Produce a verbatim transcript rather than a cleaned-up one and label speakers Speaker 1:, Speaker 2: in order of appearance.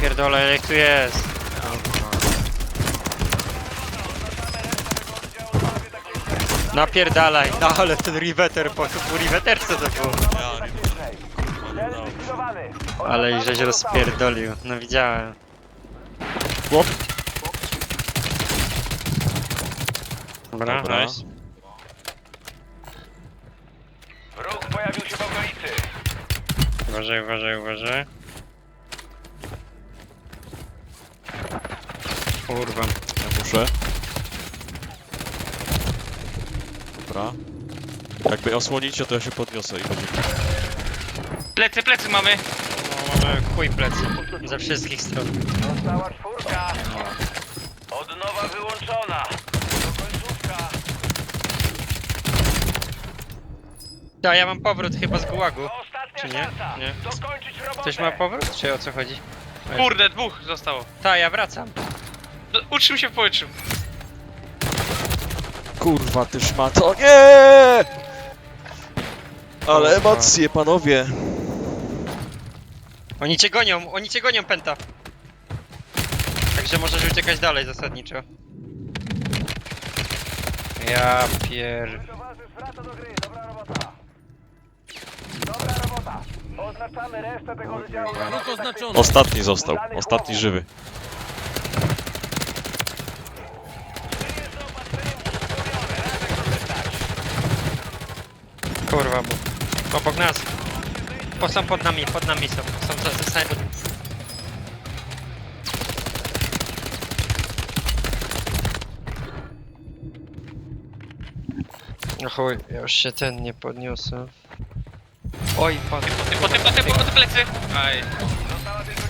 Speaker 1: pierdolę, jak tu jest. Napierdalaj, no ale ten riveter, po po riveterce to było.
Speaker 2: Ja nie wiem.
Speaker 1: Ale i żeś rozpierdolił, no widziałem.
Speaker 3: Chłop.
Speaker 1: Dobra,
Speaker 3: Dobra.
Speaker 1: nice.
Speaker 4: Wróg pojawił się w okolicy.
Speaker 1: Uważaj, uważaj, uważaj. Kurwa.
Speaker 3: Ja muszę. Dobra. Jakby osłonicie, to ja się podniosę i będzie.
Speaker 5: Plecy, plecy mamy.
Speaker 1: No, mamy chuj plecy. Ze wszystkich stron.
Speaker 4: Została czwórka. Od nowa wyłączona. To końcówka.
Speaker 1: Ja, ja mam powrót chyba z gułagu.
Speaker 4: To ostatnia
Speaker 1: Czy nie?
Speaker 4: szansa.
Speaker 1: Nie.
Speaker 4: Dokończyć robotę.
Speaker 1: Ktoś ma powrót, czy o co chodzi?
Speaker 5: Kurde, dwóch zostało.
Speaker 1: Ta, ja wracam.
Speaker 5: No, utrzym się w powietrzu.
Speaker 3: Kurwa, ty szmato. Nie! Ale
Speaker 1: Kurwa.
Speaker 3: emocje, panowie.
Speaker 1: Oni cię gonią, oni cię gonią, Penta. Także możesz uciekać dalej zasadniczo. Ja pier...
Speaker 4: Towarzysz wraca do gry. Dobra robota. Dobra robota. Oznaczamy resztę tego wydziału.
Speaker 6: Wróg oznaczony.
Speaker 3: Ostatni został. Ostatni żywy.
Speaker 1: Kurwa, bo... Obok nas. Po, są pod nami, pod nami są. Są za ze snajper. No chuj, ja już się ten nie podniosę. Oj, pan.
Speaker 5: Po ty, po ty, po ty, po ty plecy. Aj.